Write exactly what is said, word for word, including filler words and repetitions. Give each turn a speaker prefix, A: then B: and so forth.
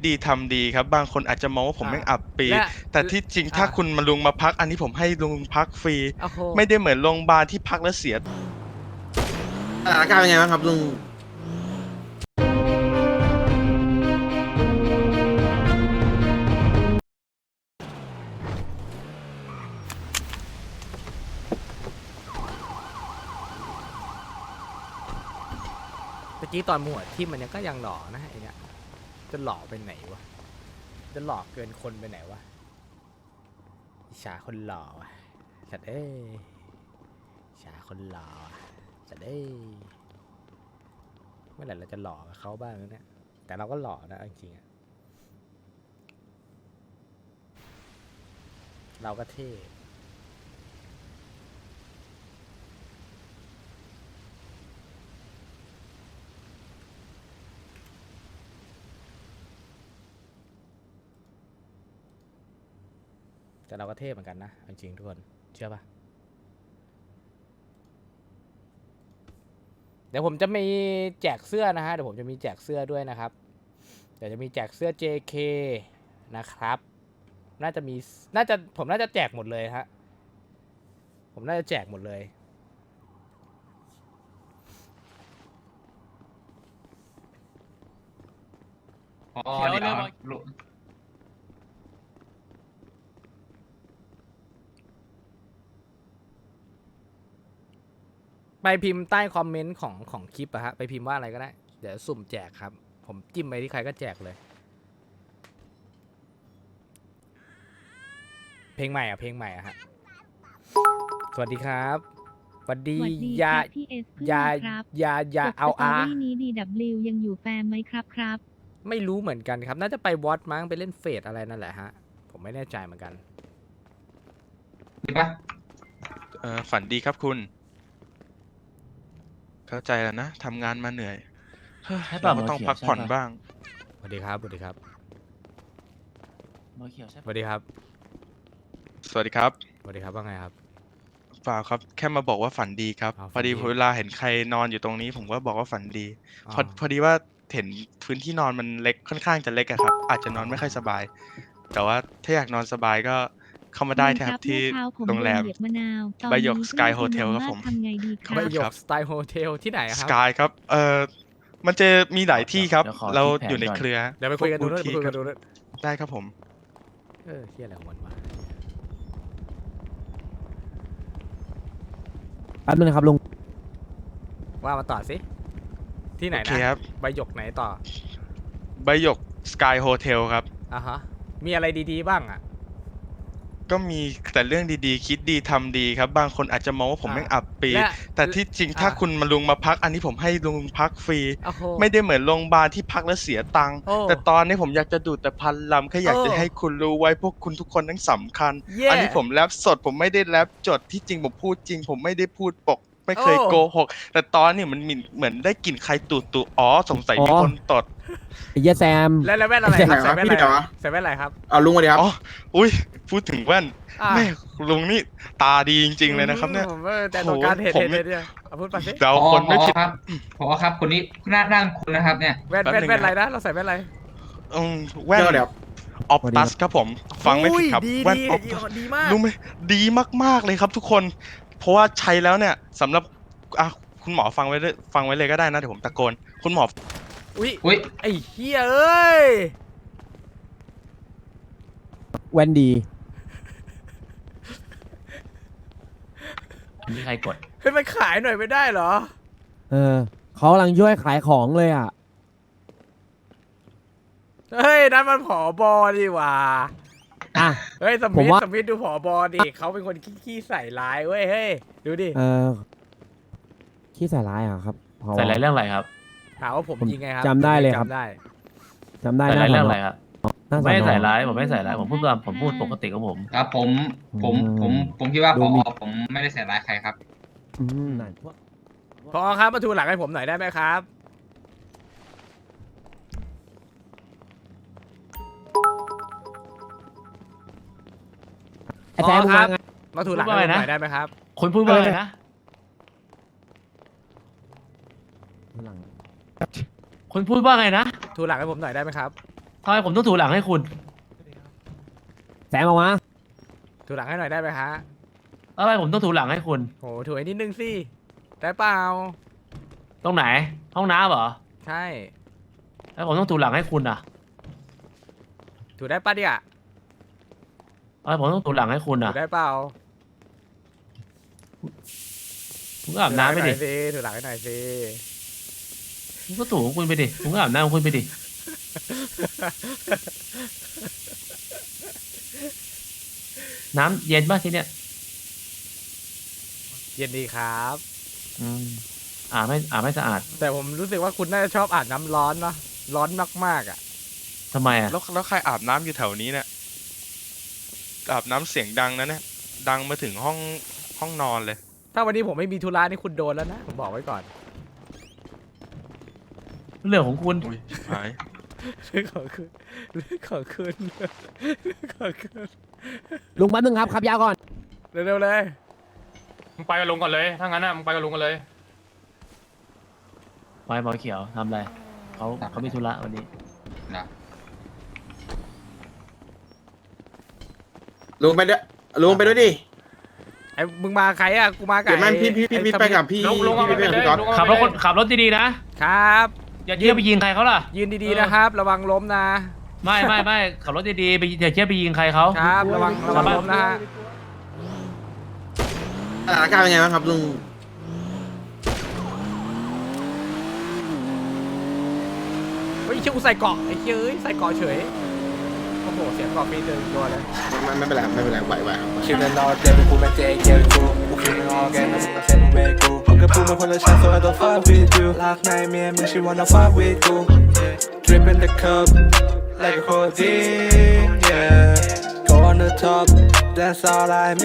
A: ดีทำดีครับบางคนอาจจะมองว่าผมแม่งอับปีแต่ที่จริงถ้า
B: อ่ะ
A: คุณมาลุงมาพักอันนี้ผมให้ลุงพักฟรี
B: โอ้โห
A: ไม่ได้เหมือนโรงพยาบาลที่พักแล้วเสีย
C: สถานการณ์เป็นไงบ้างครับลุง
B: เมื่อกี้ตอนหมวดที่มันยังก็ยังหล่อนะไอเนี้ยจะหล่อไปไหนวะจะหล่อเกินคนไปไหนวะอิจฉาคนหล่อวะสัตว์เอ้ยอิจฉาคนหล่อวะสัตว์เอ้ยเมื่อไหร่เราจะหล่อกับเขาบ้างเนี่ยแต่เราก็หล่อนะจริงๆอะเราก็เท่แต่เราก็เท่เหมือนกันนะจริงๆทุกคนเชื่อปะเดี๋ยวผมจะมีแจกเสื้อนะฮะเดี๋ยวผมจะมีแจกเสื้อด้วยนะครับเดี๋ยวจะมีแจกเสื้อ เจ เค นะครับน่าจะมีน่าจะผมน่าจะแจกหมดเลยฮะผมน่าจะแจกหมดเลย
D: อ๋อเดี๋ยวลุง
B: ไปพิมพ์ใต้คอมเมนต์ของของคลิปอะฮะไปพิมพ์ว่าอะไรก็ได้เดี๋ยวสุ่มแจกครับผมจิ้มไปที่ใครก็แจกเลยเพลงใหม่อะเพลงใหม่อะฮะสวัสดีครับสวัสดี
E: สวัสดี
B: ยา
E: ครับพี่เอสเพิ่ง
B: ยา
E: มาครับ
B: ยายา
E: จบ
B: เอา
E: สตอ
B: อา
E: รี่นี้ ดี ดับเบิลยู ยังอยู่แฟมไหมครับครับ
B: ไม่รู้เหมือนกันครับ น่าจะไปวอตมั้งไปเล่นเฟสอะไรนั่นแหละฮะ ผมไม่แน่ใจเหมือนกัน
D: ดีปะ
A: เอ่อฝันดีครับคุณ เข้าใจแล้วนะทำงานมาเหนื่อยเฮ้ย
F: ใช่ป่ะ
A: เราก็ต้อง
F: หมอเขียว
A: พักผ่อน
F: ใช่ป่ะ
A: บ้าง
B: สวัสดีครับ สวัสดีครับ
F: เบอร์เขียวใช่
B: สวัสดีครับ
A: สวัสดีครับ
B: สวัสดีครับว่าไงครับ
A: เปล่าครับแค่มาบอกว่าฝันดีครับ
B: อ๋อ
A: พอดี
B: ฝันดี
A: เวลาเห็นใครนอนอยู่ตรงนี้ ผมก็บอกว่าฝันดี
B: อ๋อ
A: พอพอดีว่าเห็นพื้นที่นอนมันเล็กค่อนข้างจะเล็กอะครับ อาจจะนอนไม่ค่อยสบาย แต่ว่าถ้าอยากนอนสบายก็เข้ามาได้นะครับที่
E: เมื่อเช้าผม
A: โรงแรม
E: โดนเหยียบมะนาวตอน
A: ใบหยก
E: นี้
A: Sky
E: เพิ่ง
A: Hotel
E: กิน
A: ครับผม
E: ทำไงดีค
B: ไป
E: รับ
B: หย
A: ครั
B: ก
A: บ
B: สไตล์โฮเทลที่ไหนอะ
A: ส
B: ครับ
A: กายครับ เอ่อ มันจะมีหลายที่ครับ
F: ดี๋ยวขอ
A: เรา
F: คิดแผน
A: อยู่ใน
F: ก่
A: เครือ
B: เดี๋ยวไปคุยกันดูด้วย
A: พว
B: ไปคุยกัน
A: บู
B: ดู
A: ธ
B: ด้วย
A: ได้ครับผม
B: เออเฮียอะไรของมันวะ
G: แป๊บนึงนะครับลุง
B: ว่ามาต่อสิ ที่ไหน
A: โอเค
B: นะครับ
A: บ
B: ใบหยกไหนต่อ
A: ใบหยกสกายโฮเทลครับ
B: อ่ะฮะ มีอะไรดีๆบ้างอะ
A: ก็มีแต่เรื่องดีๆ คิดดีทำดีครับ บางคนอาจจะมองว่าผม
B: อ่า
A: แม่งอับปี
B: และ
A: แต่ที่จริงถ้า
B: อ่า
A: คุณมาลุงมาพัก อันนี้ผมให้ลุงพักฟรี
B: โอ้โห
A: ไม่ได้เหมือนโรงพยาบาลที่พักแล้วเสียตังค์
B: โอ้
A: แต่ตอนนี้ผมอยากจะดูดแต่พันลำแค่อยากจะ
B: โอ้
A: ให้คุณรู้ไว้พวกคุณทุกคนทั้งสำคัญ
B: เย่
A: อันนี้ผมแรปสดผมไม่ได้แรปจดที่จริงผมพูดจริง ผมไม่ได้พูดปก ไม่เคย
B: โอ้
A: โกหก แต่ตอนนี้มันมีเหมือนได้กลิ่นใครตูดตูอ๋อสงสัยมี
G: อ๋อ
A: คนตด
G: ไอ้เหี้ยแซม
B: แล้วแล้วแว่นอะไรครับ
C: ไหนวะ
B: ใส่แว่น
C: พี่
B: อะไร
C: ไหนวะ
B: ใส่แว่นอะไรครับ
C: เอาลุงมาดีครับ
A: อ๋ออุ้ยพูดถึงแว่น
B: อ่ะ
A: แม่ลุงนี่ตาดีจริง ๆ เลยนะครับเนี่ย
B: ผมว่าแต่ตัวการเห็น
A: โหผม
B: เห็นเห็นเนี่ยเอาพูดไปสิ
A: เดา
D: พอ
A: คนไม่ผิด
D: ครับพอครับคนนี้หน้าด้านคุณนะครับเนี่ย
B: แว่น
A: แป๊บ
B: แว่น
A: นึง
B: แว่นอะไร
A: นะ
B: นะเราใส่แว่นอะไร
A: อืมแว่น
C: เดี๋ยวเดี๋ยว
A: ออฟตัสครับผม ฟังไม่ผิดครับ
B: อุ้ยดี
A: แว่น
B: ดี
A: ออฟ
B: ดีดีมาก
A: รู้ไหมดีมากๆเลยครับทุกคน เพราะว่าใช้แล้วเนี่ยสำหรับอ่ะคุณหมอฟังไว้เลยฟังไว้เลยก็ได้นะเดี๋ยวผมตะโกน คุณหมอ
B: อุ้ย
D: อุ้ย
B: ไอ้เฮียเอ้ย
G: แวนดี
F: อันนี้ใครกด
B: เฮ้ยมันขายหน่อยไม่ได้เหรอ
G: เออเขากำลังช่วยขายของเลยอ่ะ
B: เฮ้ยนั่นมันผอบอดีหว่า
G: อ่ะ
B: เฮ้ยส
G: ผ
B: มิ
G: ม
B: ธ
G: ว่า
B: สมิธดูผอบอดิเขาเป็นคนขี้ๆใส่ร้ายเว้ยเฮ้ยดูดิ
G: เออขี้ใส่ร้ายอ่ะครับพอ
F: ใส่อะไรเรื่องอะไรครับ
B: ถามว่าผม
G: ผม
B: ยิงไงครับ
G: จำได้เลยครับ
B: จำได้
G: จำได้
F: ใส่
G: ห
F: อะไร
G: น้า
F: เรื่อง
G: ส
F: อะ
G: น
F: ไรครับ
G: หน้าส
F: ไม่ได้
G: อน
F: ใส่
G: อ
F: ร้าย ผมไม่ใส่ร้าย ผมพูดตามผมพูดปกติของผม
D: ครับผมผมผมผมคิดว่าพอผมไม่ได้ใส่ร้ายใครครับ
G: อืมนั่นพวก
B: พอครับมาทูหลังให้ผมหน่อยได้ไหมครับ
G: ไอ้แซม
B: พอ
G: มึง
B: ครั
G: มา
B: บ
G: ไง
B: มาทูหลังให้ผมหน่อยได้ไหมครับ
F: คนพูดว่าอะไรนะ
G: หลัง
F: คนพูดว่าไงนะ
B: ทูหลังให้ผมหน่อยได้ไหมครับ
F: ทำไมผมต้องถูหลังให้คุณ
G: แซมออกมา
B: ถูหลังให้หน่อยได้ไหมฮะ
F: ทำไมผมต้องถูหลังให้คุณ
B: โหถูให้นิดนึงสิได้เปล่า
F: ตรงไหน ห้องน้ำเหรอ
B: ใช่
F: แล้วผมต้องถูหลังให้คุณอ่ะ
B: ถูได้ปะเนี่ย
F: ทำไมผมต้องถูหลังให้คุณ
B: ถู
F: อ่ะ
B: ได้เปล่า
F: คุณก็อาบน้ำไปดิ
B: ถูหลังให้หน่อยสิ
F: คุณก็ถูของคุณไปดิคุณก็อาบน้ำของคุณไปดิ น้ำเย็นป่ะที่เนี้ย
B: เย็นดีครับ
F: อืมอาบไม่อาบไม่สะอาด
B: แต่ผมรู้สึกว่าคุณน่าจะชอบอาบน้ำร้อนเนาะร้อนมากๆอ่ะ
F: ทำไมอ่ะ
A: แล้วแล้วใครอาบน้ำอยู่แถวนี้เนี่ยอาบน้ำเสียงดังนะเนี่ยดังมาถึงห้องห้องนอนเลย
B: ถ้าวันนี้ผมไม่มีธุระนี่คุณโดนแล้วนะผมบอกไว้ก่อน
F: เรื่องของคุณ
A: อุ้ยหาย
B: เรื่องของคุณเรื่องของคุณเรื่องของคุณ
G: ลุงแป๊บนึงครับขับยาวก่อน
B: เร็วๆเลย
H: มึงไปกับลุงก่อนเลย ถ้างั้นน่ะมึงไปกับลุงกันเลย
F: ไว้หมอเขียวทำอะไรเขาเขามีธุระวันนี้
D: นะ
C: ลุงไปด้วยลุงไปด้วยดิ
B: ไอ้มึงมาใครอ่ะกูมากับ
C: เดี๋ยวมัน
B: อ้
C: พี่พี่พี่
B: อ้
C: พี่
B: สมิ
C: ไปกับพี่
H: ลุงลุงเอา
C: พี่
H: ไป
C: ไป
H: เล
C: กับ
H: ย
C: พี่ก๊อต
H: ลุงเอา
F: ขับ
H: ไป
F: รถ
H: เล
F: คน
H: ย
F: ขับรถดีๆนะ
B: ครับ
F: อย่าเที่ยวไปยิงใครเขาล่ะ
B: ยืนดีๆนะครับ ระวังล้มนะ
F: ไม่ไม่ไม่ขับรถดีๆไปอย่าเที่ยวไปยิงใครเขา
B: ครับ ระวังระวังล้มนะฮะ
C: สถานการณ์เป็นไงบ้างครับลุง
B: เฮ้ยเชื่อกูใส่เกาะไอ้เชื่อเอ้ยใส่เกาะเฉยโอ้โหเสียงเกาะปีเดินตัวเลย
C: ไม่ไม่เป็นไรไม่เป็นไรไหวไหวครับ
I: Killing all day, but who make it get cool? Who killing all game, I'm gonna take away cool. พวกกับพูดมาคนละชั้น so I don't fuck with you. Last night, me and me, she wanna fuck with you. Dripping the cup like a codeine, yeah. Go on the top, that's all I mean.